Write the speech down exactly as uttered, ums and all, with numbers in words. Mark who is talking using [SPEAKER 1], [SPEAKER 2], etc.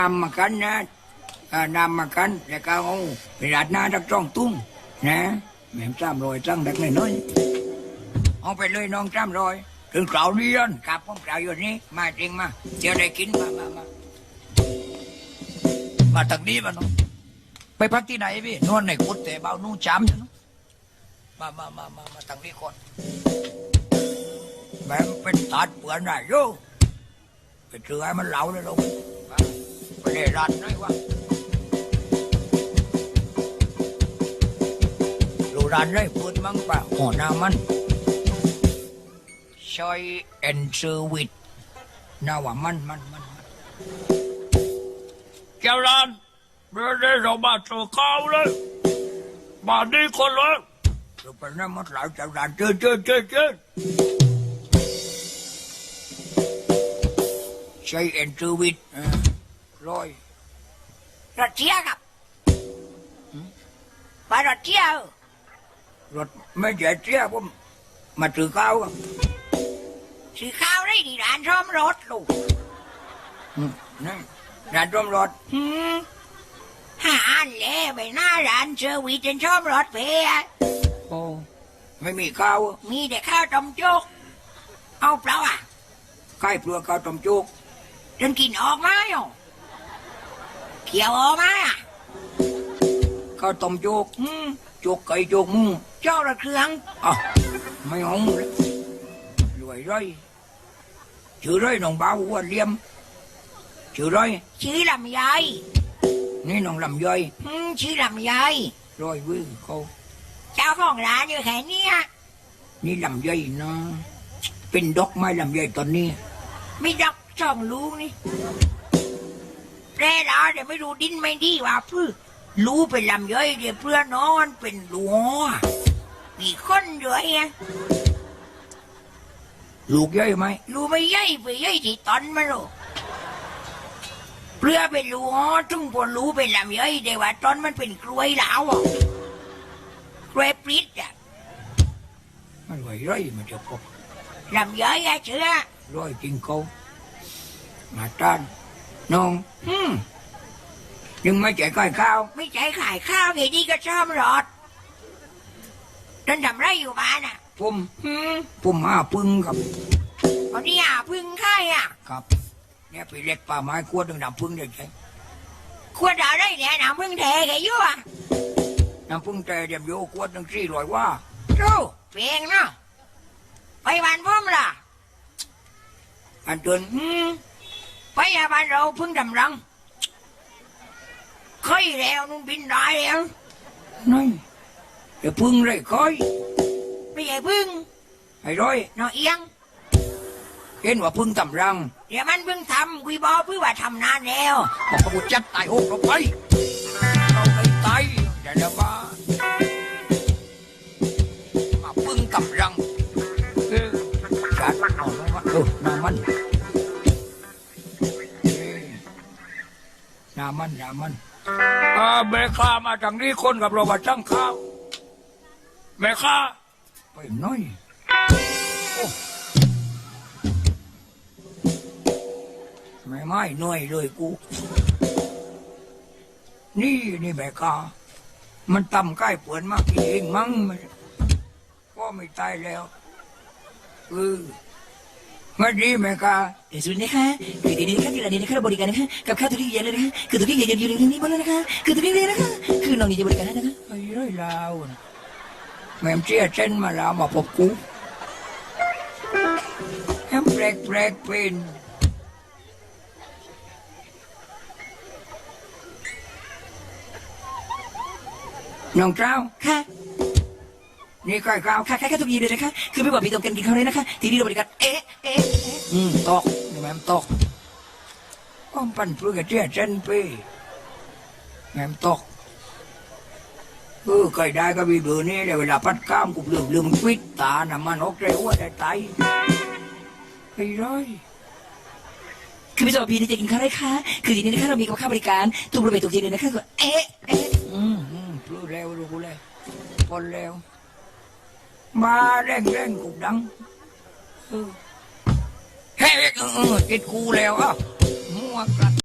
[SPEAKER 1] นำมากันนะนำมากันแล้วก็เอาไปราดหน้าดักจ้องตุ้งนะแม่จ้ามรอยจังดักเลยน้อยเอาไปเลยน้องจ้ามรอยถึงเกล่าวเรียนกับผมเกล่าวอยู่นี้มาจริงมาเดี๋ยวได้กินมามามามาทางนี้มาน้องไปพักที่ไหนพี่นอนในกุฏแต่เบานู่จ้ำนะมามามามามาทางนี้ก่อนแม่เป็นตัดเปลือนได้โย่ไปเจอให้มันเหลาเลยลูกไปเล่รันได้วะดูรันได้พูดมั้งป่ะหัวหน้ามันชอยเอ็นเซอร์วิทน่าว่ามันมันมันเจ้ารันเดี๋ยวเดี๋ยวเรามาเจอเขาเลยมาดีคนเลยเราไปนั่งมัดหลายเจ้ารันเจอเจอเจอเจอใช้เอ็นเซอร์วิทร้อยรถเชี่ยกับไปรถเชี่ยรถไม่ใช่เชี่ยผมมาซื้อข้าวซื้อข้าวได้ที่ร้านซ่อมรถลูกนี่ร้านซ่อมรถหาอันเล่ไปหน้าร้านเซอร์วิสจนซ่อมรถเพียโอ้ไม่มีข้าวมีแต่ข้าวต้มจุกเอาเปล่าอ่ะใกล้เปลือกข้าวต้มจุกจนกินออกมาอยู่เขียวออกมาอ่ะข้าวต้มจุกจุกไก่จุกมูเจ้าละเครื่องอ่ะไม่หงเลยรวยร้อยชื่อร้อยน้องบ่าวอ้วนเลี่ยมชื่อร้อยชื่อลำไยนี่น้องลำไยชื่อลำไยร้อยวิวเขาเจ้าของร้านอยู่แค่นี้นี่ลำไยนะเป็นดอกไม้ลำไยตอนนี้ไม่ดอกช่องลูกนี่แปรลาเดี๋ยวไม่รู้ดินไม่ดีว่าพื้รู้เป็นลำไยเดี๋ยวเพื่อนนอนเป็นหลัวมีคนด้วยไงลูกย่อยไหมลูกไม่ย่อยไปย่อยที่ตอนมาลูกเพื่อเป็นลูกจุ่งพอรู้เป็นลำย่อยแต่ว่าตอนมันเป็นกล้วยเหลากล้วยปริ๊ดอ่ะมันไหวร้อยมันจะพบลำย่อยอะเชื่อร้อยจริงเขามาต้านน้องฮึมยังไม่ใจก่อยข้าวไม่ใจขายข้าวไงดีก็ชอบรอดนั่นทำไรอยู่บ้านอ่ะผมผมหาพึ่งครับตอนนี้หาพึ่งใครอ่ะครับเนี่ยไปเล็กป่าไม้ขวดหนึ่งน้ำพึ่งเด็กใช่ขวดอะไรเนี่ยน้ำพึ่งแท้แกยุ่อ่ะน้ำพึ่งแท้เดี๋ยวโยขวดหนึ่งสี่ร้อยว่าโจ้เพียงเนาะไปบ้านพ่อมล่ะอันเดินไปยาบ้านเราพึ่งดำรังค่อยแล้วนุ่นบินได้แล้วนี่เดี๋ยวพึ่งเลยค่อยไม่ใช่พึ่งไอ้ร้อยนอเอียงเห็นว่าพึ่งตำรังเดี๋ยวมันพึ่งทำคุยบอพึ่งว่าทำนานแล้วบอกกระบุจับตายโอ้เราไปเราไปตายเดี๋ยวมามาพึ่งตำรังเออจัดเอาไว้ว่าเออน้ำมันน้ำมันน้ำมันอ่าแม่ข้ามาจากนี้คนกับเรามาจังข้าวแม่ข้าไปหน่อยโอ้ไม่ไม่หน่อยเลยกูนี่นี่แม่ข้ามันต่ำใกล้เปิดมากเองมั้งก็ไม่ตายแล้วเออมาดีแม่ข้า
[SPEAKER 2] เดี๋ยวสุดนะคะคือดีๆนะคะที่ร้านนี้นะคะเราบริการนะคะกับข้าวทุกที่เย็นเลยนะคะคือทุกที่เย็นอยู่ในนี้หมดเลยนะคะคือทุกที่เลยนะคะคือน้องนี่จะบริการให้นะคะ
[SPEAKER 1] ไอ้ไรลาวแม่เชี่ยเช่นมาลาวมาพบกูแฮมแปลกแปลกเป็นน้องเจ้า
[SPEAKER 2] ค่ะ
[SPEAKER 1] นี่ใกล้ข้าว
[SPEAKER 2] ค่ะค่ะทุกที่เลยนะคะคือไม่ว่าพี่ต้องการกินข้าวเลยนะคะที่นี่เราบริการเอ๊ะเอ๊ะ
[SPEAKER 1] อืมตกนี่แม่ตกก้อมปั่นเพื่อเชี่ยเช่นไปแม่ตกเออเคยได้ก็มีเบอร์นี้เวลาพัดข้ามกูลืมลืมฟิตตาหน้ามันออกใจว่าได้ไตไอ้ร้อย
[SPEAKER 2] คือไม่ใช่ว่าพี่จะกินข้าวได้ค่ะคือทีนี้นะคะเรามีกับข้าวบริการทุกบริเวณทุกที่เลยนะคะก็เอ๊ะเอ๊ะ
[SPEAKER 1] อืมอืมรู้แล้วรู้แล้วพอแล้วมาแรงแรงกูดังเออเฮ้ยเออติดกูแล้วอ่ะมัวกลัด